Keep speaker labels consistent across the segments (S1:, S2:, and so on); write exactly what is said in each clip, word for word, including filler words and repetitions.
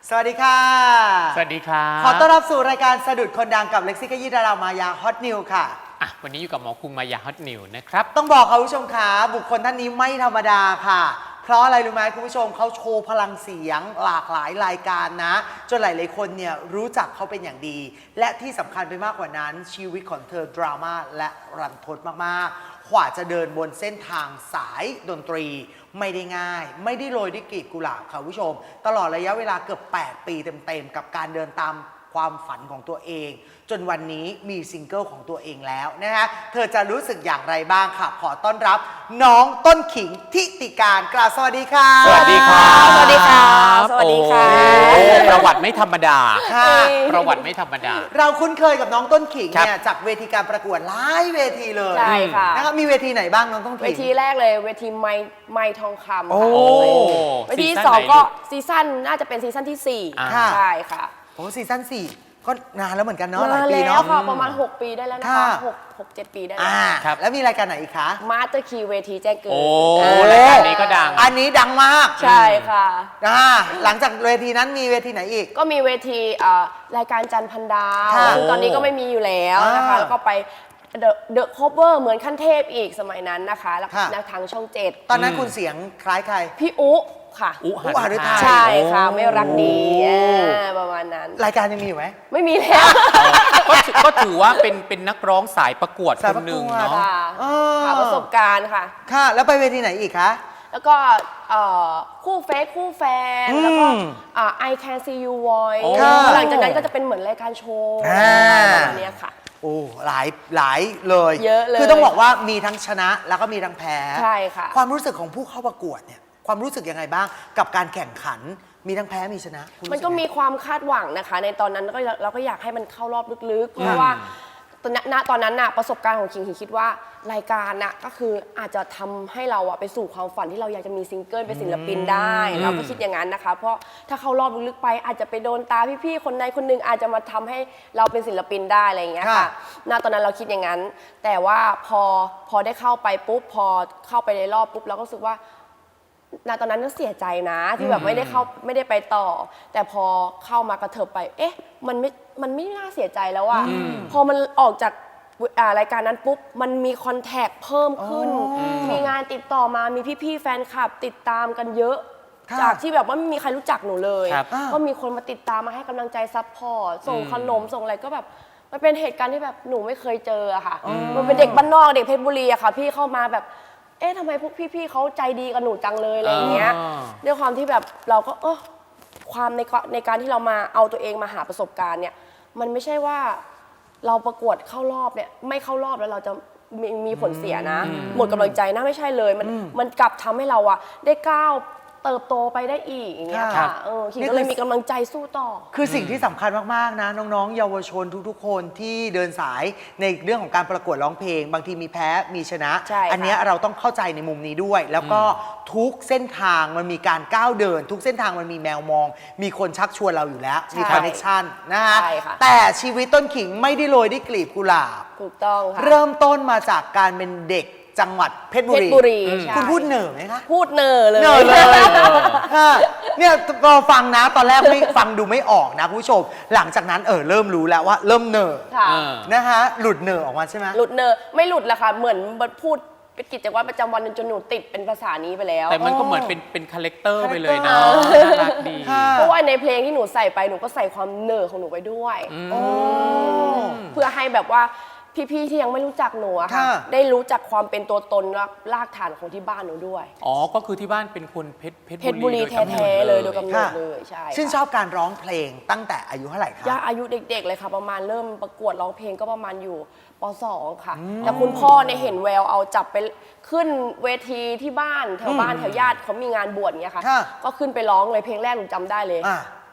S1: สวัสดีค่ะ
S2: สวัสดีครับ
S1: ขอต้อนรับสู่รายการสะดุดคนดังกับเล็กซี่ขยี้ดารามายาฮอตนิวค่ะ
S2: อ่ะวันนี้อยู่กับหมอคุมมายาฮอตนิวนะครับ
S1: ต้องบอกค่ะคุณผู้ชมคะบุคคลท่านนี้ไม่ธรรมดาค่ะเพราะอะไรรู้ไหมคุณผู้ชมเขาโชว์พลังเสียงหลากหลายรายการนะจนหลายๆคนเนี่ยรู้จักเขาเป็นอย่างดีและที่สำคัญไปมากกว่านั้นชีวิตของเธอดราม่าและรันทดมากๆกว่าจะเดินบนเส้นทางสายดนตรีไม่ได้ง่ายไม่ได้โรยด้วยกลีบกุหลาบค่ะคุณผู้ชมตลอดระยะเวลาเกือบแปดปีเต็มๆกับการเดินตามความฝันของตัวเองจนวันนี้มีซิงเกิลของตัวเองแล้วนะฮะเธอจะรู้สึกอย่างไรบ้างค่ะขอต้อนรับน้องต้นขิงทิติการกล่าวสวัสดีค่ะ
S2: สวัสดีครับ
S3: สวัสดีค่ะสวัสดีค่ะ
S2: ประวัติไม่ธรรมดา
S1: ค่ะ
S2: ประวัติไม่ธรรมดา
S1: เราคุ้นเคยกับน้องต้นขิงเนี่ยจากเวทีการประกวดหลายเวทีเลย
S3: ใช่ค่ะ
S1: นะครับมีเวทีไหนบ้างน้องต้นขิง
S3: เวทีแรกเลยเวทีไม้ไม้ทองคำ
S1: โอ้
S3: ค่ะเวทีที่สองก็ซีซั่นน่าจะเป็นซีซั่นที่สี่ใช่ค่ะ
S1: โอ้ซีซั่นสี่ก็นานแล้วเหมือนกันเนาะหลาย
S3: นาน
S1: ปี
S3: แล้ว
S1: เนาะ
S3: ค่ะประมาณหกปีได้แล้วนะคะหก หก เจ็ดปีได้แล้ว
S1: อ่าแล้วมีรายการไหนอีกคะ
S3: มาสเตอร์คีย์เวทีแจ้งเกิด
S2: โอ้รายการนี้ก็ดัง
S1: อันนี้ดังมาก
S3: ใช่ค่ะ
S1: อ่าหลังจากเวทีนั้นมีเวทีไหนอีก
S3: ก็มีเวทีรายการจันพันดาวซึ่งตอนนี้ก็ไม่มีอยู่แล้วนะคะแล้วก็ไปเดอะคอเวอร์เหมือนขั้นเทพอีกสมัยนั้นนะคะแล้วทางช่องเจ็ด
S1: ตอนนั้นคุณเสียงคล้ายใคร
S3: พี่อุค่ะ
S2: อุหฤทัย
S3: ใช่ค่ะไม่รักดีประมาณนั้น
S1: รายการยังมีอยู่ไหม
S3: ไม่มีแล้ว
S2: ก็ถือว่าเป็นเป็นนักร้องสายประกวดคนหนึ่งเนาะ
S3: ค่ะประสบการณ์ค่ะ
S1: ค่ะแล้วไปเวทีไหนอีกคะ
S3: แล้วก็คู่เฟซคู่แฟนแล้วก็ I Can See You Voice หลังจากนั้นก็จะเป็นเหมือนรายการโชว์ประมาณนี้ค่ะ
S1: โอ้หลายหลายเลย
S3: เยอะเลย
S1: คือต้องบอกว่ามีทั้งชนะแล้วก็มีทั้งแพ้
S3: ใช่ค่ะ
S1: ความรู้สึกของผู้เข้าประกวดเนี่ยความรู้สึกยังไงบ้างกับการแข่งขันมีทั้งแพ้มีชนะ
S3: มันก็มีความคาดหวังนะคะในตอนนั้นก็เราก็อยากให้มันเข้ารอบลึกๆเพราะว่าณตอนนั้นน่ะประสบการณ์ของคิงคิดว่ารายการน่ะก็คืออาจจะทำให้เราอะไปสู่ความฝันที่เราอยากจะมีซิงเกิลเป็นศิลปินได้เราก็คิดอย่างนั้นนะคะเพราะถ้าเข้ารอบลึกๆไปอาจจะไปโดนตาพี่ๆคนใดคนหนึ่งอาจจะมาทำให้เราเป็นศิลปินได้อะไรอย่างเงี้ยค่ะณตอนนั้นเราคิดอย่างนั้นแต่ว่าพอพอได้เข้าไปปุ๊บพอเข้าไปในรอบปุ๊บเราก็รู้สึกว่าณตอนนั้นก็เสียใจนะที่แบบไม่ได้เข้าไม่ได้ไปต่อแต่พอเข้ามากระเถิบไปเอ๊ะมันไม่มันไม่น่าเสียใจแล้วอะพอมันออกจากรายการนั้นปุ๊บมันมีคอนแทคเพิ่มขึ้นมีงานติดต่อมามีพี่ๆแฟนคลับติดตามกันเยอะจากที่แบบว่าไม่มีใครรู้จักหนูเลยก็มีคนมาติดตามมาให้กำลังใจซัพพอร์ตส่งขนมส่งอะไรก็แบบมันเป็นเหตุการณ์ที่แบบหนูไม่เคยเจออะค่ะมันเป็นเด็กบ้านนอกเด็กเพชรบุรีอะค่ะพี่เข้ามาแบบเอ๊ะทำไมพวกพี่ๆเขาใจดีกับหนูจังเลยอะไรอย่างเงี้ยด้วยความที่แบบเราก็เออความในในการที่เรามาเอาตัวเองมาหาประสบการณ์เนี่ยมันไม่ใช่ว่าเราประกวดเข้ารอบเนี่ยไม่เข้ารอบแล้วเราจะมีมีผลเสียนะหมดกำลังใจนะไม่ใช่เลยมันมันกลับทำให้เราอะได้ก้าวเติบโตไปได้อีกอย่างเงี้ยค่ะเออคิงก็เลยมีกำลังใจสู้ต่อ
S1: คือสิ่งที่สำคัญมากๆนะน้องๆเยาวชนทุกๆคนที่เดินสายในเรื่องของการประกวดร้องเพลงบางทีมีแพ้มีชนะอันนี้เราต้องเข้าใจในมุมนี้ด้วยแล้วก็ทุกเส้นทางมันมีการก้าวเดินทุกเส้นทางมันมีแมวมองมีคนชักชวนเราอยู่แล้วมีคอนเนคชั่นนะฮะแต่ชีวิตต้นขิงไม่ได้โรยด้วยกลีบกุหลาบ
S3: ถูกต้องค่ะ
S1: เริ่มต้นมาจากการเป็นเด็กจังหวัดเพชรบุรีคุณพูดเหน่อไหมคะ
S3: พูดเหน่อเลย
S1: เหน่อเลยเนี่ยเราฟังนะตอนแรกไม่ฟังดูไม่ออกนะคุณผู้ชมหลังจากนั้นเออเริ่มรู้แล้วว่าเริ่มเหน่อนะคะหลุดเหน่อออกมาใช่ไหม
S3: หลุดเหน่อไม่หลุดละค่ะเหมือนพูดเป็นกิจวัตรประจำวันจนหนูติดเป็นภาษานี้ไปแล้ว
S2: แต่มันก็เหมือนเป็นเป็นคาแรคเตอร์ไปเลยนะน่ารักดี
S3: เพราะว่าในเพลงที่หนูใส่ไปหนูก็ใส่ความเหน่อของหนูไปด้วยเพื่อให้แบบว่าพี่ๆที่ยังไม่รู้จักหนูอะค่ะได้รู้จักความเป็นตัวตนและรากฐานของที่บ้านหนูด้วย
S2: อ๋อก็คือที่บ้านเป็นคนเพชร
S3: เพชรบุรีแท้ๆเลยโดยกำเนิดเลยใช่
S1: ชื่นชอบการร้องเพลงตั้งแต่อายุเท่าไหร่คะ
S3: ย่าอายุเด็กๆเลยค่ะประมาณเริ่มประกวดร้องเพลงก็ประมาณอยู่ป.สอง ค่ะแต่คุณพ่อเนี่ยเห็นแววเอาจับไปขึ้นเวทีที่บ้านแถวบ้านแถวญาติเขามีงานบวชเงี้ยค่ะก็ขึ้นไปร้องเลยเพลงแรกหนูจำได้เลย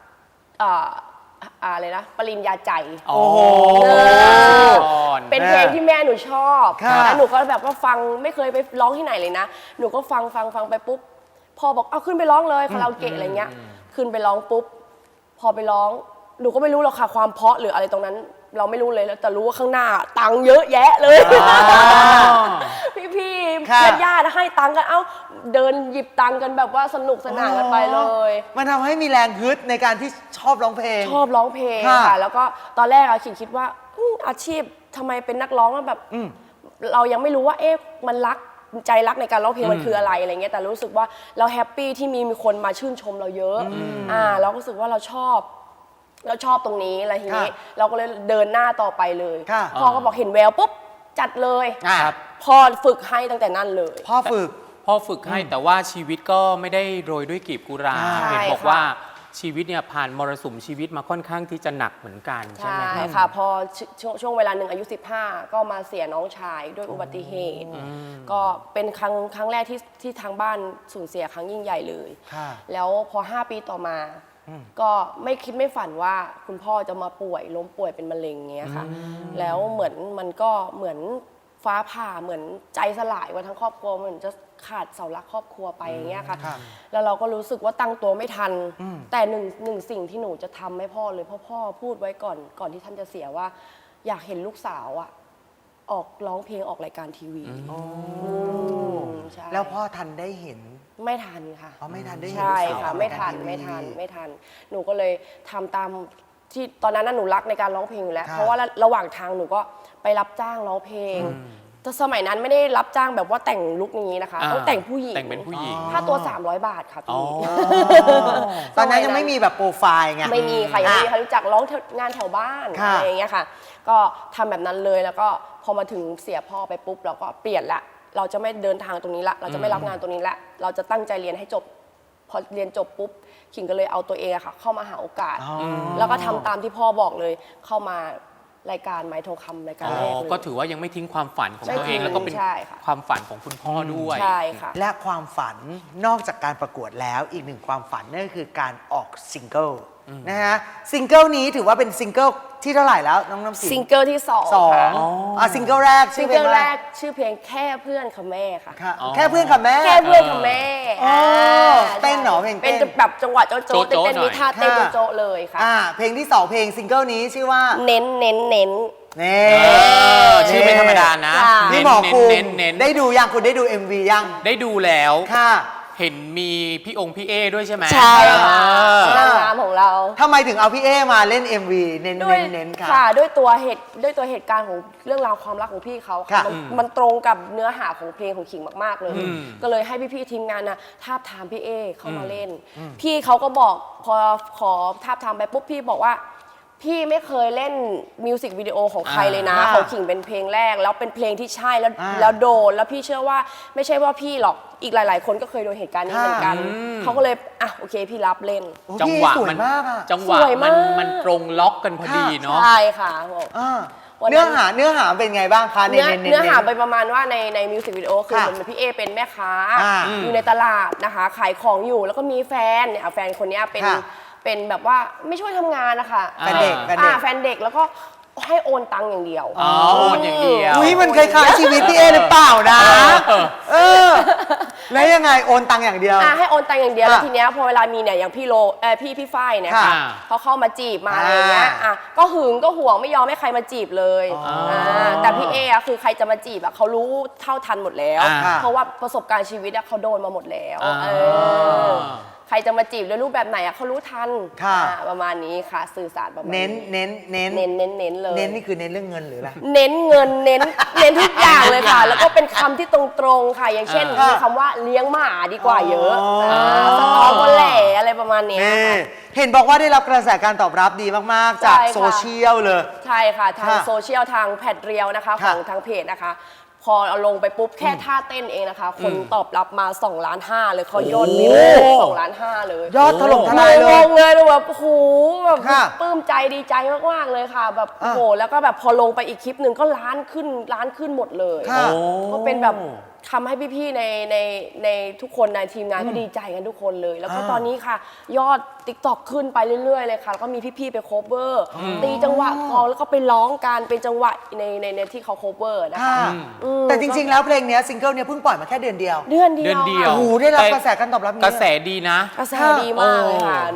S3: อะไรนะปริญญาใจ
S1: โอ้โห
S3: เป็นเพลงที่แม่หนูชอบแล้วหนูก็แบบว่าฟังไม่เคยไปร้องที่ไหนเลยนะหนูก็ฟังฟังฟังไปปุ๊บพอบอกเอาขึ้นไปร้องเลยคาราโอเกะอะไรเงี้ยขึ้นไปร้องปุ๊บพอไปร้องหนูก็ไม่รู้หรอกค่ะความเพราะหรืออะไรตรงนั้นเราไม่รู้เลยแต่รู้ว่าข้างหน้าตังค์เยอะแยะเลยพี่พี่
S1: ค่ะ
S3: ญาติๆให้ตังค์กันเอ้าเดินหยิบตังค์กันแบบว่าสนุกสนานกันไปเลย
S1: มันทำให้มีแรงฮึดในการที่ชอบร้องเพลง
S3: ชอบร้องเพลง
S1: ค่ะ
S3: ค่ะ แล้วก็ตอนแรกอะขิงคิดว่าอืมอาชีพทำไมเป็นนักร้องแล้วแบบ
S1: อืม
S3: เรายังไม่รู้ว่าเอ๊ะมันรักใจรักในการร้องเพลงมันคืออะไรอะไรเงี้ยแต่รู้สึกว่าเราแฮปปี้ที่มีมีคนมาชื่นชมเราเยอะอ่าเราก็รู้สึกว่าเราชอบเราชอบตรงนี้อะไรทีนี้
S1: ค่ะ
S3: เราก็เลยเดินหน้าต่อไปเลย
S1: ค่ะ
S3: พ่อก็บอกเห็นแววปุ๊บจัดเลย
S1: อ่ะ
S3: พ่อฝึกให้ตั้งแต่นั้นเลย
S1: พ่อฝึก
S2: พ่อฝึกให้แต่ว่าชีวิตก็ไม่ได้โรยด้วยกลีบกุหลาบ
S1: ใช่
S2: เห็นบอก
S3: ค่ะ
S2: ว่าชีวิตเนี่ยผ่านมรสุมชีวิตมาค่อนข้างที่จะหนักเหมือนกันใช่
S3: ใช่
S2: ไหมครับ
S3: ค่ะพอชช่วงช่วงเวลาหนึ่งอายุ สิบห้า ก็มาเสียน้องชายด้วยอุบัติเหตุ ก็เป็นครั้งครั้งแรกที่ที่ทางบ้านสูญเสียครั้งยิ่งใหญ่เลย
S1: ค่ะ
S3: แล้วพอ ห้า ปีต่อมา ก็ไม่คิดไม่ฝันว่าคุณพ่อจะมาป่วยล้มป่วยเป็นมะเร็งเงี้ยค่ะ แล้วเหมือนมันก็เหมือนฟ้าผ่าเหมือนใจสลายว่าทั้งครอบครัวเหมือนจะขาดเสาหลักครอบครัวไปอย่างเงี้ยค่ะ
S1: ครับ
S3: แล้วเราก็รู้สึกว่าตั้งตัวไม่ทัน แต่หนึ่งหนึ่งสิ่งที่หนูจะทำให้พ่อเลยเพราะพ่อพูดไว้ก่อนก่อนที่ท่านจะเสียว่า อยากเห็นลูกสาวอะออกร้องเพลงออกรายการทีวีอืมใช่
S1: แล้วพ่อทันได้เห็น
S3: ไม่ทันค่ะ
S1: อ๋อไม่ทันได้เห็น
S3: ใช่
S1: ลูกสาว
S3: ค่ะ
S1: ออก
S3: ไม่
S1: ราย
S3: ทั
S1: การ
S3: น
S1: ทีวี
S3: ไม่ทันไม่ทัน หนูก็เลยทำตามที่ตอนนั้นน่ะหนูรักในการร้องเพลงอยู่แล้ว
S1: ค่ะ
S3: เพราะว่าระระหว่างทางหนูก็ไปรับจ้างร้องเพลงแต่สมัยนั้นไม่ได้รับจ้างแบบว่าแต่งลุคนี้นะคะ
S2: อ่า
S3: ต้องแต่งผู้หญิง
S2: แต่งเป็นผู้หญิง
S3: ค่าตัว สามร้อย บาทค่ะ
S2: อ๋อ
S3: พี่
S1: ตอนนั้นยังไม่มีแบบโปรไฟล์ไง
S3: ไม่มีค่ะยังไม่มี
S1: อ่ะ
S3: ใครรู้จักร้องงานแถวบ้าน
S1: ค่ะ
S3: อะไรอย่างเงี้ยค่ะ ก็ทำแบบนั้นเลยแล้วก็พอมาถึงเสียพ่อไปปุ๊บเราก็เปลี่ยนละเราจะไม่เดินทางตรงนี้ละเราจะไม่รับงานตรงนี้ละเราจะตั้งใจเรียนให้จบ พอเรียนจบปุ๊บขิงก็เลยเอาตัวเองอะค่ะ เข้ามาหาโอกาส
S1: อ๋อ
S3: แล้วก็ทำตามที่พ่อบอกเลย เข้ามารายการไม้ทองคำรายการ
S2: อ๋
S3: แรก
S2: อ
S3: เลย
S2: ก็ถือว่ายังไม่ทิ้งความฝันของ
S3: ไม่
S2: ตัวเอง
S3: ทิ้ง
S2: แล้วก็เป็น
S3: ใช่ค่ะ
S2: ความฝันของคุณพ่อด้วย
S3: ใช่ค่ะ
S1: และความฝันนอกจากการประกวดแล้วอีกหนึ่งความฝันนั่นก็คือการออกซิงเกิลนะฮะซิงเกิลนี้ถือว่าเป็นซิงเกิลที่เท่าไหร่แล้วน้องน้ำสิง
S3: ซิงเกิลที่สอง
S1: สอง
S3: ค่ะ
S1: อ่ะซิงเกิลแรก
S3: ซิ
S1: ชื่
S3: ง
S1: อเพล
S3: เกิ
S1: ง
S3: ล
S1: อะไร
S3: แรกชื่อเพลงแค่เพื่อนค่ะแม่ค่ะ
S1: ค่ะ
S2: อ๋อ
S1: แค่เพื่อนกับแม่
S3: แค่เพื่อนกับแม่
S1: อ๋อ
S3: อ่า
S1: เต้นเหรอเพลงเต้น
S3: เป็นแบบจังหวะโจ๊ะโจ๊ะ
S2: โจ๊ะ
S3: เต้น
S2: หน่อย
S3: มีท่าเต้น
S1: ค่ะ
S3: โจ๊ะๆเลยค่ะ
S1: อ่าเพลงที่สองเพลงซิงเกิลนี้ชื่อว่า
S3: เน้นเน้นเน้น
S1: นี่
S2: เออชื่อไม่ธรรมดานะ
S3: ค่ะ
S1: นี่
S2: เน้น
S1: หมอ
S2: เน้น
S1: คุม
S2: เน้นเน้น
S1: ได้ดูยังคุณได้ดู เอ็ม วี ยัง
S2: ได้ดูแล้ว
S1: ค่ะ
S2: เห็นมีพี่องค์พี่เอด้วยใช่ไหม
S3: ใช่ค่ะ
S2: เออน
S3: างงามของเรา
S1: ทำไมถึงเอาพี่เอมาเล่น เอ็ม วี เน้น
S3: ด้วย
S1: เน้นเน้นค่ะ
S3: ค่ะด้วยตัวเหตุด้วยตัวเหตุการณ์ของเรื่องราวความรักของพี่เขา
S1: ค่ะ
S3: มันมันตรงกับเนื้อหาของเพลงของขิงมากๆเลย ก็เลยให้พี่ๆทีมงานนะทาบทามพี่เอเข้ามาเล่น พี่เขาก็บอกพอขอทาบทามไปปุ๊บพี่บอกว่า พี่ไม่เคยเล่นมิวสิกวิดีโอของใครเลยนะ
S1: อ่า
S3: ของขิงเป็นเพลงแรก แล้วเป็นเพลงที่ใช่แล้ว
S1: อ่า
S3: แล้วโดนแล้วพี่เชื่อว่าไม่ใช่ว่าพี่หรอกอีกหลาย ๆ คนก็เคยโดนเหตุการณ์นี้เหมือนกัน เขาก็เลยอ่ะโอเคพี่รับเล่น
S1: โอ้
S2: จัง
S1: พี่
S2: หวะ
S1: สวย
S2: มัน
S1: มากอ่ะ
S2: จังหวะ
S3: สวย
S2: มั
S3: มาน ก
S2: มันตรงล็อกกันพอดีเนาะ
S3: ใช่ค่ะบอก
S1: อ่า
S3: วันนั้น
S1: เนื้อหาเนื้อหาเป็นไงบ้างคะ
S3: เนื้อ
S1: เน้นๆๆๆ
S3: เนื้อหาไปประมาณว่าในในมิวสิกวิดีโอคือ
S1: ค่ะ
S3: เหมือนพี่เอเป็นแม่ค้า
S1: อ่า
S3: อยู่ในตลาดนะคะ ขายของอยู่แล้วก็มีแฟนเนี่ยแฟนคนเนี้ยเป็น
S1: ค่ะ
S3: เป็นแบบว่าไม่ช่วยทำงานนะคะ
S1: แฟนเด็กแฟนเด็ก
S3: อ่าแฟนเด็กแล้วก็ให้โอนตังค์อย่างเดียว
S2: อ๋อโอนอย่างเดียว
S1: อุ้ยมันคล้ายๆชีวิตพี่เอหรือเปล่านะ เออ แล้วยังไงโอนตังค์อย่างเดียว
S3: อ่าให้โอนตังค์อย่างเดียว
S1: ค่ะ
S3: แล้วทีเนี้ยพอเวลามีเนี่ยอย่างพี่โลเออพี่พี่ฝ้ายเนี่ย
S1: ค่ะ
S3: ค่ะเขาเข้ามาจีบมาอะไรอย่างเงี้ย
S1: อ่า
S3: อ่ะก็หึงก็ห่วงไม่ยอมให้ใครมาจีบเลย
S1: อ๋ออ่
S3: าแต่พี่เออะคือใครจะมาจีบอะเขารู้เท่าทันหมดแล้ว
S2: อ่า
S3: เพราะว่าประสบการณ์ชีวิตอะเขาโดนมาหมดแล้ว
S2: อ่า
S3: เออใครจะมาจีบด้วยรูปแบบไหนอะเขารู้ทัน
S1: ค่ะ
S3: อ่าประมาณนี้ค่ะสื่อสารประมาณ
S1: เน้นเน้นเน้น
S3: เน้นเน้นเน้นเลย
S1: เน้นนี่คือเน้นเรื่องเงินหรืออะไร
S3: เน้นเงินเน้นเน้นทุกอย่างเลยค่ะ แล้วก็เป็นคำที่ตรงๆค่ะ อย่างเช่น
S1: อ่ามี
S3: มีคำว่าเลี้ยงหมาดีกว่าเยอะ
S1: อ๋ออ่
S3: าสตอก็แหล่อะไรประมาณเนี้ย
S1: นี่
S3: ค่ะ
S1: เห็นบอกว่าได้รับกระแสการตอบรับดีมาก ๆ จาก
S3: ใช่ค่ะ
S1: โซเชียลเลย
S3: ใช่ค่ะ ทาง
S1: ค่ะ
S3: โซเชียลทางแพดเรียวนะคะ
S1: ค่ะ
S3: ของทางเพจนะคะ พอเอาลงไปปุ๊บแค่ท่าเต้นเองนะคะ คนตอบรับมา2ล้านห้าเลยเขายอดวิวสองล้านห้าเลย
S1: ยอดถล่มทลายเล
S3: ง
S1: ย
S3: งเลยแบบโอ้โหแบบ
S1: ค่ะ
S3: ปลื้มใจดีใจมากๆเลยค่ะ แบบ
S1: อ่ะ
S3: โอ้โหแล้วก็แบบพอลงไปอีกคลิปหนึ่งก็ล้านขึ้นล้านขึ้นหมดเลย
S1: ค่ะ
S3: ก็เป็นแบบทำให้พี่ๆในในในทุกคนในทีมงานก็ดีใจกันทุกคนเลย แล้วก็
S1: อ่า
S3: ตอนนี้ค่ะ ยอด ติ๊กต็อก ขึ้นไปเรื่อยๆเลยค่ะแล้วก็มีพี่ๆไปโคเวอร์ตีจังหวะกลองแล้วก็ไปร้องกันเป็นจังหวะในในในที่เขาโคเวอร์นะคะ
S1: ค่ะ
S3: อืม
S1: แต่จริง ๆ แล้วเพลงเนี้ยซิงเกิลเนี้ยเพิ่งปล่อยมาแค่เดือนเดียว
S3: เดือนเดียว
S2: เดือนเดียว
S1: โอ้โหได้รับกระแสการตอบรับนี้
S2: กระแสดีนะ
S3: กระแสดีมากเลยค่ะ
S2: โ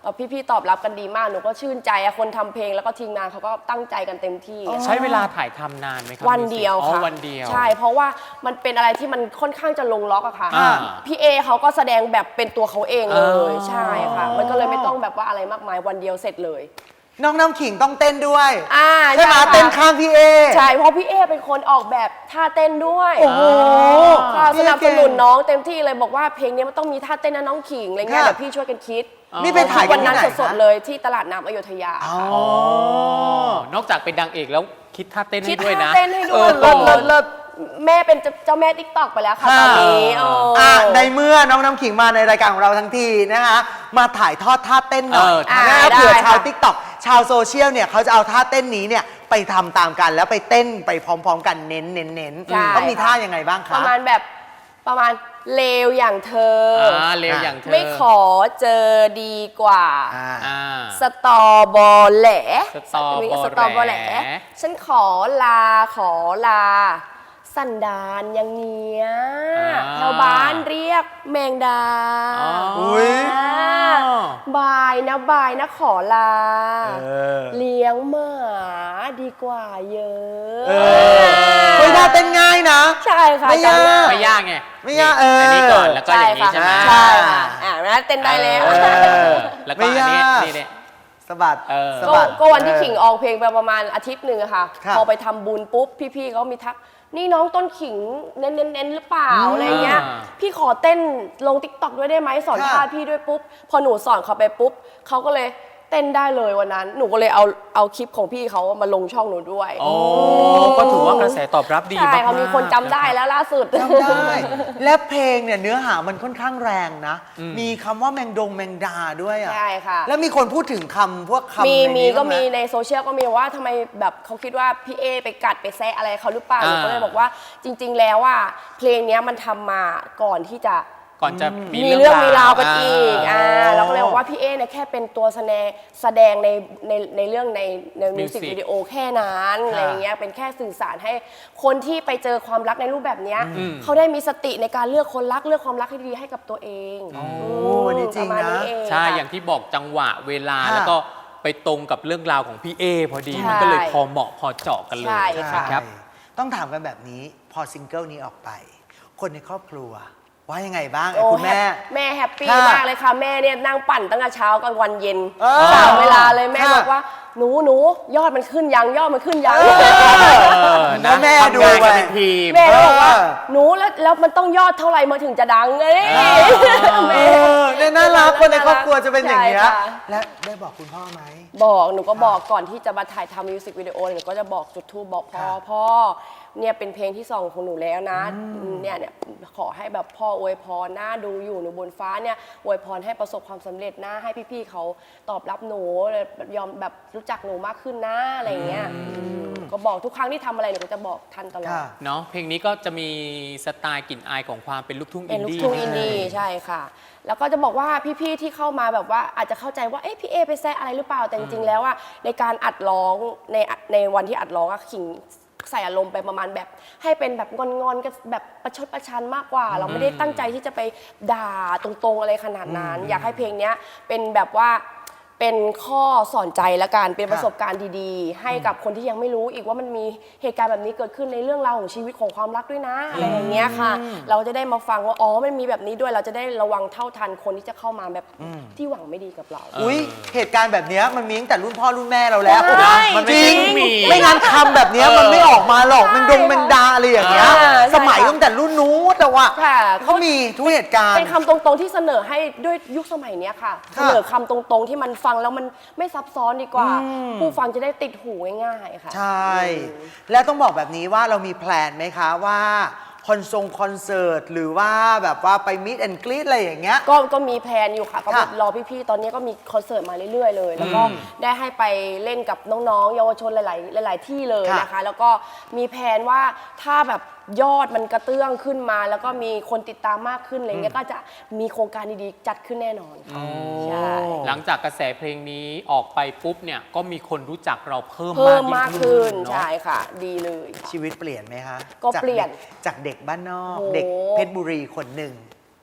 S3: แล้วพี่ๆตอบรับกันดีมากหนูก็ชื่นใจอะคนทำเพลงแล้วก็ทีมงานเขาก็ตั้งใจกันเต็มที่อะ
S2: ใช้เวลาถ่ายทำนานไหมครั
S3: วันเดียว
S2: อ๋อ
S3: ค่ะ
S2: วันเดียว
S3: ใช่เพราะว่ามันเป็นอะไรที่มันค่อนข้างจะลงล็อกอะค่ะ
S2: อ่า
S3: พี่เอเขาก็แสดงแบบเป็นตัวเขาเองเล
S2: อ๋
S3: ย
S2: อ
S3: ใช่ค่ะ มันก็เลยไม่ต้องแบบว่าอะไรมากมายวันเดียวเสร็จเลย
S1: น้องน้ำขิงต้องเต้นด้วย
S3: อ่า
S1: ใช่ไหม
S3: ค่ะ
S1: เต้นข้ามพี่เอ
S3: ใช่เพราะพี่เอเป็นคนออกแบบท่าเต้นด้วย
S1: โอ้โห
S3: ค่ะ
S1: พี่
S3: ส
S1: เอ
S3: นับสนุนน้องเต็มที่เลยบอกว่าเพลงนี้มันต้องมีท่าเต้นนะน้องขิงอะไรเงี้ย
S1: ค่ะ
S3: เดี๋ยวพี่ช่วยกันคิด
S1: นี่ไปถ่ายกั
S3: วัน น
S1: ที่
S3: นั้น
S1: ไหน
S3: สด
S1: คะ
S3: ๆเลยที่ตลาดน้ำอยุธยา
S1: อ๋อ
S2: อ๋อ นอกจากเป็นดังเอกแล้วคิดท่าเต้น
S3: คิ
S2: ให้
S3: ด
S2: ด้วยนะ
S3: ท่าเต้นให้ด้วย
S2: ออ
S3: เลิศเลิศเลิศแม่เป็นเจ้าแม่ติ๊กตอกไปแล้วค่ะตอนนี้โอ้
S1: อ่ะในเมื่อน้องน้ำขิงมาในรายการของเราทั้งทีนะคะมาถ่ายทอดท่าเต้นหน่อย
S2: เออ
S1: นะ
S3: ได้
S1: เผื่อ
S3: ได้
S1: ชาว
S3: ค่ะ
S1: ทิกตอกชาวโซเชียลเนี่ยเขาจะเอาท่าเต้นนี้เนี่ยไปทำตามกันแล้วไปเต้นไปพร้อมๆกันเน้นเน้นเน้น
S3: ใช่
S1: ต้องมีท่ายังไงบ้าง
S3: ป
S1: คะ
S3: ระมาณแบบประมาณเลวอย่างเธออ
S2: อ่าเร็วอย่างเธอ
S3: ไม่ขอเจอดีกว่า
S1: อ่า
S2: อ่า
S3: สตอบอแหล
S2: สตอบอแหล
S3: มีสตอบอแหล ฉันขอลาขอลา สันดานอย่างเนี้ย
S2: อ่า
S3: ชาวบ้านเรียกแมงดา
S2: อ๋อ
S1: อุ๊ย
S3: อ่าบายนะบายนะขอลา
S1: เออ
S3: เลี้ยงหมาดีกว่าเยอะ
S1: เออเฮ้ยท่าเต้นง่ายนะ
S3: ใช่ค่ะ
S1: ไม่ยาก
S3: จำด้
S2: ไม่ยากไง
S1: ไม่ยากเอออั
S2: นนี้ก่อนแล้วก็อย่างนี้ใช่ไหม
S3: ใช่ค่ะอ่าแล้วเต้นได้แล้ว
S1: เออ
S2: แล้วก็
S1: ไม่
S2: อันนี้
S1: ยาก
S2: นี่เนี่ย
S1: สะบัด
S2: เออ
S1: สะ
S3: ก็
S1: บัด
S3: ก็วันที่
S1: เออ
S3: ขิงออกเพลงไปประมาณอาทิตย์หนึ่งอะค่ะ
S1: ครับ
S3: พอไปทำบุญปุ๊บ พี่ๆเขามีทัก นี่น้องต้นขิงเน้นเน้นเน้นหรือเปล่า
S1: อืม
S3: อะไรเงี้ย
S2: อ่า
S3: พี่ขอเต้นลงติ๊กต็อกด้วยได้ไหมสอน
S1: ค่ะ
S3: ท่าพี่ด้วยปุ๊บ พอหนูสอนเขาไปปุ๊บเขาก็เลยเต้นได้เลยวันนั้น หนูก็เลยเอาเอาคลิปของพี่เขามาลงช่องหนูด้วย
S2: โอ้ก็ถือว่ากระแสตอบรับดี
S3: ใช่
S2: มากๆ
S3: เขามีคนจำได้
S2: ะรับ
S3: แล้วล่าสุด
S1: จำได้ และเพลงเนี่ยเนื้อหามันค่อนข้างแรงนะ
S2: อืม
S1: มีคำว่าแมงดงแมงดาด้วยอ่ะ
S3: ใช่ค่ะ
S1: แล้วมีคนพูดถึงคำพวกคำ
S3: มี
S1: ใน
S3: มี
S1: นี้
S3: ก็
S1: บ้างไห
S3: มีในโซเชียลก็มีว่าทำไมแบบเขาคิดว่าพี่เอไปกัดไปแซะอะไรเขาหรือเปล่าหนูก็เลยบอกว่าจริง ๆ แล้วว่าเพลงเนี้ยมันทำมาก่อนที่จะ
S2: ก่อนจะมี
S3: มีเรื่องมีราวกัน
S2: า
S3: อีกอ่าเราก็เลยบอกว่าพี่เอเนี่ยแค่เป็นตัวแสดงแสดงในในในเรื่องในในมิวสิก
S2: Music
S3: วิดีโอแค่นั้น
S1: ค่ะ
S3: อะไรอย่างเงี้ยเป็นแค่สื่อสารให้คนที่ไปเจอความรักในรูปแบบเนี้ย
S2: อืม
S3: เขาได้มีสติในการเลือกคนรักเลือกความรักให้ดีให้กับตัวเอง
S1: โอ้
S3: ม
S1: นี่จริง
S3: ปมาณ
S1: นะ
S3: เอง
S2: ใช่
S3: ค่ะ
S2: อย่างที่บอกจังหวะเวลา
S1: ค่ะ
S2: แล้วก็ไปตรงกับเรื่องราวของพี่เอพอดี
S3: ใช่
S2: มันก็เลยพอเหมาะพอเจาะกันเลย
S3: ใช่ค่ะ
S2: ครับ
S1: ต้องถามกันแบบนี้พอซิงเกิลนี้ออกไป คนในครอบครัว ว่ายังไงบ้าง
S3: โอ้
S1: คุณแม่
S3: แฮปแม่แฮปปี้
S1: ค่ะ
S3: มากเลยค่ะ แม่เนี่ยนั่งปั่นตั้งแต่เช้ากลางวันเย็น
S1: เออ
S3: สามเวลาเลยแม่
S1: ค่ะ
S3: บอกว่าหนูหนูยอดมันขึ้นยังยอดมันขึ้นยัง
S2: เออ
S1: แล้
S2: นะ
S1: วแม่ดู
S2: ทำงาน
S1: ไป
S2: กันเป็นทีม
S3: แม่ก็บอกว่า
S1: เออ
S3: หนูแล้วแล้วมันต้องยอดเท่าไหร่มาถึงจะดังเอ้ย
S2: เออ
S3: แม่
S1: เออเนี่ยน่ารักคนในครอบครัวจะเป็นอย่างเงี้ย
S3: ใช่ค่ะ
S1: และได้บอกคุณพ่อไหม
S3: บอกหนูก็บอกก่อนที่จะมาถ่ายทำมิวสิกวิดีโอหนูก็จะบอกจุดทูบบอกพ่อ
S1: ค่ะ
S3: พ่อเนี่ยเป็นเพลงที่สองของหนูแล้วนะเนี่ยเนี่ยขอให้แบบพ่ออวยพรนะดูอยู่หนูบนฟ้าเนี่ยอวยพรให้ประสบความสำเร็จนะให้พี่ๆเขาตอบรับหนูยอมแบบรู้จักหนูมากขึ้นนะอะไรอย่างเงี้ยก็บอกทุกครั้งที่ทำอะไรหนูก็จะบอกท่านตลอด
S1: ค่ะ
S2: เนาะเพลงนี้ก็จะมีสไตล์กลิ่นอายของความเป็นลูกทุ่ง
S3: เป็
S2: อิ
S3: น
S2: น
S3: ลูก
S2: ดี้
S3: ทุ่ง
S2: นิ
S3: อิ
S2: ด
S3: น
S2: นึ
S3: ดี้
S2: ง
S3: ใช่ค่ะ แล้วก็จะบอกว่าพี่ๆที่เข้ามาแบบว่าอาจจะเข้าใจว่าเอ๊ะพี่เอไปแซะอะไรหรือเปล่าแต่จริงๆแล้วอะในการอัดร้องในในวันที่อัดร้องอะขิงใส่อารมณ์ไปประมาณแบบ ให้เป็นแบบงอนๆกันแบบประชดประชันมากกว่า เราไม่ได้ตั้งใจที่จะไปด่าตรงๆอะไรขนาดนั้น อยากให้เพลงเนี้ยเป็นแบบว่าเป็นข้อสอนใจละกันเป็นประสบการณ์ดีๆ ให้กับคนที่ยังไม่รู้อีกว่ามันมีเหตุการณ์แบบนี้เกิดขึ้นในเรื่องราวของชีวิตของความรักด้วยนะอะไรอย่างเงี้ยค่ะ เราจะได้มาฟังว่าอ๋อมันมีแบบนี้ด้วยเราจะได้ระวังเท่าทันคนที่จะเข้ามาแบบที่หวังไม่ดีกับเรา
S1: อุ้ยเหตุการณ์แบบเนี้ยมันมีตั้งแต่รุ่นพ่อรุ่นแม่เราแล้ว
S3: ใช่
S1: มัน
S2: จริ
S1: จริ
S2: ง
S1: ง
S2: มี
S1: ไม่งั้นคำแบบเนี้ย
S2: เออ
S1: มันไม่ออกมาหรอก
S3: ใช่
S1: มันดงแมงดาอะไรอย่างเงี้ย
S3: อ่าใช่
S1: สมัย
S3: ค่ะ
S1: ตั้งแต่รุ่นนู้นแต่ว่า
S3: ค่ะ
S1: เขามีทุกเหตุการณ์
S3: เป็นคำตรงๆที่เสนอให้ด้วยยุคสมัยเนี้ยค่ะ
S1: ค่ะ
S3: เสนอคำตรงๆที่มันฟังแล้วมันไม่ซับซ้อนดีกว่า ผู้ฟังจะได้ติดหูง่ายๆค่ะ
S1: ใช่ แล้วต้องบอกแบบนี้ว่าเรามีแพลนไหมคะว่าคอนทรงคอนเสิร์ตหรือว่าแบบว่าไปมิดแอนกรีดอะไรอย่างเงี้ย
S3: ก็ก็มีแพลนอยู่ค่ะก็
S1: ค่ะ
S3: รอพี่ๆ ตอนนี้ก็มีคอนเสิร์ตมาเรื่อยๆ เลย แล้วก็ได้ให้ไปเล่นกับน้องๆ เยาวชนหลายๆ หลาย ๆ ที่เลย
S1: ค่ะ
S3: นะคะ แล้วก็มีแพลนว่าถ้าแบบยอดมันกระเตื้องขึ้นมา แล้วก็มีคนติดตามมากขึ้นอะไรเงี้ยก็จะมีโครงการดีๆ จัดขึ้นแน่นอนค่ะใช่
S2: หลังจากกระแสเพลงนี้ออกไปปุ๊บเนี่ยก็มีคนรู้จักเราเพิ่ม
S3: เพิ่มมาม
S2: าก ก
S3: ขึ้
S2: ขึ้
S3: น
S2: น
S3: ใช่
S2: เนาะ
S3: ค่ะ ดีเลยค่ะ
S1: ชีวิตเปลี่ยนไหมคะ
S3: ก็
S1: จาก
S3: เปลี่ยน
S1: ด็จากเด็กบ้านนอก
S3: โอ้
S1: เด็กเพชรบุรีคนหนึ่ง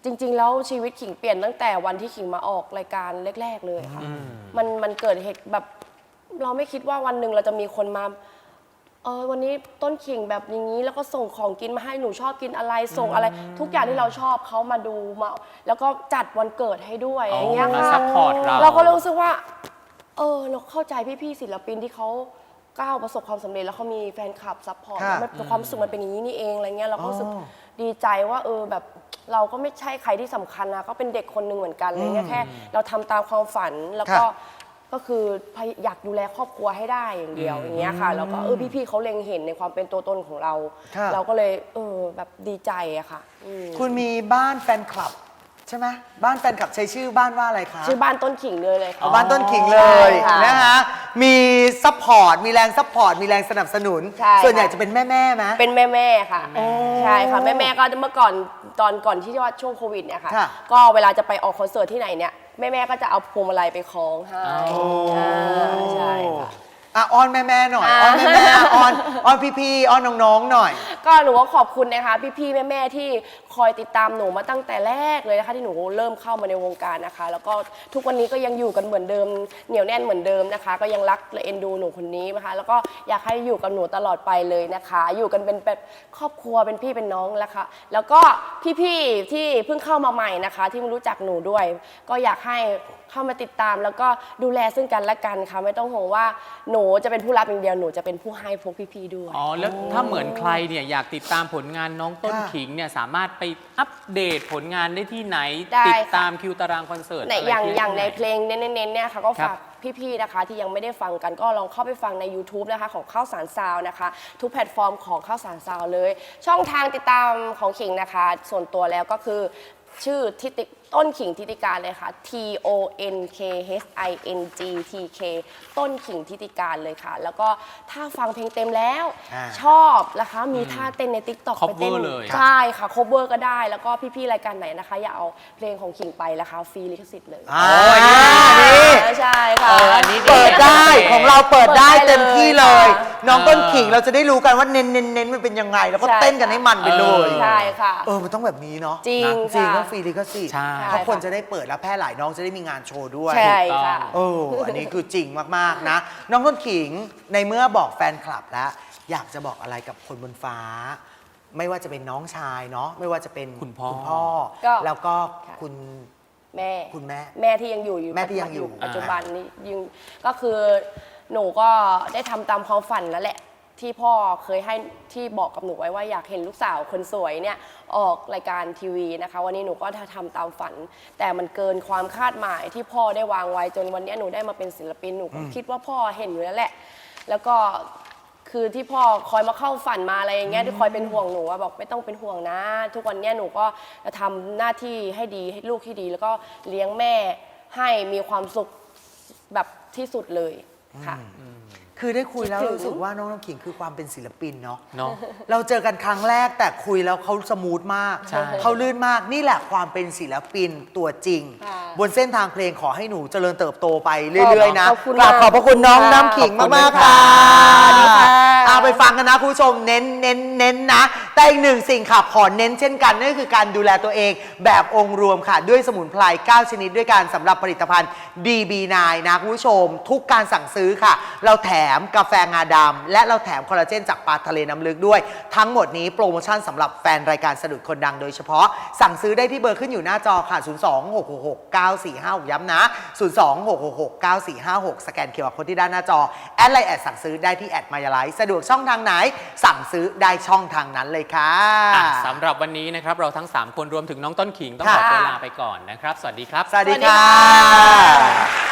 S3: จริง ๆ แล้วชีวิตขิงเปลี่ยนตั้งแต่วันที่ขิงมาออกรายการแรก ๆ เลยค่ะมันมันเกิดเหตุแบบเราไม่คิดว่าวันหนึ่งเราจะมีคนมาเออวันนี้ต้นขิงแบบอย่างนี้แล้วก็ส่งของกินมาให้หนูชอบกินอะไรส่งอะไร ทุกอย่างที่เราชอบเขามาดูมาแล้วก็จัดวันเกิดให้ด้วยอย่างเงี้ย
S2: มา
S3: ค่ะ
S2: ซัพพอร์ตเรา
S3: เราก็รู้สึกว่าเออเราเข้าใจพี่ๆศิลปินที่เขาก้าวประสบความสำเร็จแล้วเขามีแฟนคลับซัพพอร์ต
S1: ค่ะ
S3: มันความรู้สึกมันเป็นอย่างนี้นี่เองอะไรเงี้ยเราก็รู้สึก
S1: อ๋อ
S3: ดีใจว่าเออแบบเราก็ไม่ใช่ใครที่สำคัญนะก็เป็นเด็กคนหนึ่งเหมือนกันอะไรเงี้ยแค่เราทำตามความฝันแล้วก็
S1: ค่ะ
S3: ก็คือพยอยากดูแลครอบครัวให้ได้อย่างเดียวอย่างเงี้ยค่ะแล้วก็เออพี่ๆเขาเล็งเห็นในความเป็นตัวตนของเรา
S1: ค่ะ
S3: เราก็เลยเออแบบดีใจอะค่ะอืม
S1: คุณมีบ้านแฟนคลับใช่ไหมบ้านแฟนคลับใช้ชื่อบ้านว่าอะไรคะ
S3: ชื่อบ้านต้นขิงเลยเลยค่ะ
S1: เอาบ้านต้นขิงเลย
S3: ใช่ค่ะ
S1: นะคะมีซัพพอร์ตมีแรงซัพพอร์ตมีแรงสนับสนุน
S3: ใช่
S1: ส่วนใหญ่
S3: ค่ะ
S1: จะเป็นแม่แม่ๆไหม
S3: เป็นแม่แม่ๆค่ะ
S1: โอ้
S3: ใช่ค่ะแม่แม่ๆก็เมื่อก่อนตอนก่อนที่ว่าช่วงโควิดเนี่ยค่ะ
S1: ค่ะ
S3: ก็เวลาจะไปออกคอนเสิร์ตที่ไหนเนี่ยแม่แม่ๆก็จะเอาพวงมาลัยไปคล้องให้
S2: โอ้
S3: อ่าใช่ค่ะ
S1: อ่ะอ้อนแม่แม่ๆหน่อย
S3: อ่า
S1: อ้อนแม่แม่ๆอ้อนอ้อนพี่ๆอ้อนน้องๆหน่อย
S3: ก็หนูก็ขอบคุณนะคะพี่ๆแม่ๆที่คอยติดตามหนูมาตั้งแต่แรกเลยนะคะที่หนูเริ่มเข้ามาในวงการนะคะ แล้วก็ทุกวันนี้ก็ยังอยู่กันเหมือนเดิมเหนียวแน่นเหมือนเดิมนะคะ ก็ยังรักและเอ็นดูหนูคนนี้นะคะแล้วก็อยากให้อยู่กับหนูตลอดไปเลยนะคะ อยู่กันเป็นแบบครอบครัวเป็นพี่เป็นน้องแล้วค่ะแล้วก็พี่ๆที่เพิ่งเข้ามาใหม่นะคะ ที่ไม่รู้จักหนูด้วย ก็อยากให้เข้ามาติดตามแล้วก็ดูแลซึ่งกันและกันค่ะไม่ต้องห่วงว่าหนูจะเป็นผู้รับอย่างเดียวหนูจะเป็นผู้ให้พวกพี่ๆด้วย
S2: อ๋อแล้วถ้าเหมือนใครเนี่ยอยากติดตามผลงานน้องต้น
S1: ค่ะ
S2: ขิงเนี่ยสามารถไปอัปเดตผลงานได้ที่ไหน
S3: ได้
S2: ติด
S3: ค่ะ
S2: ตามคิวตารางคอนเสิร์ต
S3: ใน
S2: อะไร
S3: อย่าง
S2: ที่
S3: อย่างใน
S2: ไห
S3: เพลงเน้นๆเนี่ยค่ะก็
S2: ครับ
S3: ฝากพี่ๆนะคะที่ยังไม่ได้ฟังกันก็ลองเข้าไปฟังใน ยูทูบ นะคะของข้าวสารซาวน์นะคะ ทุกแพลตฟอร์มของข้าวสารซาวน์เลย ช่องทางติดตามของขิงนะคะ ส่วนตัวแล้วก็คือชื่อทิติต้นขิงทิติการเลยค่ะ T O N K H I N G T K ต้นขิงทิติการเลยค่ะ แล้วก็ถ้าฟังเพลงเต็มแล้ว
S1: อ่า
S3: ชอบนะคะมีท่าเต้นใน ติ๊กต็อก ไปเต้น
S2: cover เลย
S3: ใช่ค่ะ cover ก็ได้แล้วก็พี่ๆรายการไหนนะคะอย่าเอาเพลงของขิงไปนะคะฟรีลิขสิทธิ์เลย
S1: อ่า
S2: โอ้ยนี่
S1: นี่
S3: ใช่ค่ะ
S2: เอออันนี้
S1: เปิดได้
S2: โอเค
S1: ของเราเปิดได้
S3: เปิดได้
S1: เต็มที่เลย
S3: เลยค่ะ
S1: น้องต้นขิงเราจะได้รู้กันว่าเน้นเน้นเน้นมันเป็นยังไง แล้วก็
S3: ใช่
S1: เต้นกันให้มันไปเลย
S3: ใช่ค่ะ
S1: เออมันต้องแบบนี้เนาะ
S3: จริง
S1: นะจริง
S3: ค่ะ
S1: ต้องฟรีลิขสิทธิ์
S2: ใช่
S1: เพราะคนจะได้เปิดแล้วแพร่หลายน้องจะได้มีงานโชว์ด้วย
S3: ใช่ค่ะ
S1: เอออันนี้คือจริงมากๆนะ น้องต้นขิงในเมื่อบอกแฟนคลับแล้ว อยากจะบอกอะไรกับคนบนฟ้า ไม่ว่าจะเป็นน้องชายเนาะไม่ว่าจะเป็น
S2: คุณพ่อ
S1: พ่อ
S3: ก็
S1: แล้วก็
S3: ค่ะ
S1: คุณ
S3: แม่
S1: คุณแม่
S3: แม่ที่ยังอยู่อยู่
S1: แม่ที่ยังอยู่
S3: ปัจจุบันนี้ยังก็คือหนูก็ได้ทำตามความฝันแล้วแหละ ที่พ่อเคยให้ที่บอกกับหนูไว้ว่าอยากเห็นลูกสาวคนสวยเนี่ยออกรายการทีวีนะคะ วันนี้หนูก็ทำตามฝัน แต่มันเกินความคาดหมายที่พ่อได้วางไว้จนวันนี้หนูได้มาเป็นศิลปินหนูก็คิดว่าพ่อเห็นอยู่แล้วแหละ แล้วก็คือที่พ่อคอยมาเข้าฝันมาอะไรอย่างเงี้ยที่คอยเป็นห่วงหนูว่าบอกไม่ต้องเป็นห่วงนะ ทุกวันเนี้ยหนูก็จะทำหน้าที่ให้ดีให้ลูกที่ดี แล้วก็เลี้ยงแม่ให้มีความสุขแบบที่สุดเลยค่ะ
S1: คือได้คุยแล้ว
S3: คิดถึง
S1: รู้สึกว่าน้องน้ำขิงคือความเป็นศิลปินเนาะ
S2: เนาะ
S1: เราเจอกันครั้งแรกแต่คุยแล้วเขาสมูทมาก
S2: ใช่
S1: เขาลื่นมากนี่แหละความเป็นศิลปินตัวจริง
S3: ค่ะ
S1: บนเส้นทางเพลงขอให้หนูเจริญเติบโตไปเรื่อยๆนะ
S3: ขอบคุณ
S1: กราบ
S3: มาก
S1: ขอบพระคุณน้อง
S3: ค่ะ
S1: น้ำขิง
S2: ขอบคุณ
S1: มากๆ
S2: ค่ะ
S1: ค่ะ
S3: สวัสดีค่ะ
S1: เอาไปฟังกันนะคุณผู้ชมเน้นเน้นเน้นนะ แต่อีกหนึ่งสิ่งค่ะขอเน้นเช่นกันนั่นก็คือการดูแลตัวเองแบบองค์รวมค่ะ ด้วยสมุนไพรเก้าชนิดด้วยกันสำหรับผลิตภัณฑ์ ดี บี ไนน์ นะคุณผู้ชม ทุกการสั่งซื้อค่ะ เราแถมกาแฟงาดำและเราแถมคอลลาเจนจากปลาทะเลน้ำลึกด้วย ทั้งหมดนี้โปรโมชั่นสำหรับแฟนรายการสะดุดคนดังโดยเฉพาะ สั่งซื้อได้ที่เบอร์ขึ้นอยู่หน้าจอค่ะ ศูนย์ สอง หก หก หก เก้า สี่ ห้า หก ย้ำนะ ศูนย์ สอง หก หก หก เก้า สี่ ห้า หก สแกนเคอร์โค้ดที่ด้านหน้าจอ แอดไลน์แอดสั่งซื้อได้ที่แอดมายาไลท์สะดวกช่องทางไหน สั่งซื้อได้ช่องทางนั้นเลยค่ะ
S2: อ่ะสำหรับวันนี้นะครับเราทั้งสามคนรวมถึงน้องต้นขิงต้องขอ
S1: ค่ะ
S2: ตัวลาไปก่อนนะครับ สวัสดีครับ
S1: สวัสดี
S3: สวัสดี
S1: ค่
S3: ค่ะ
S1: ะ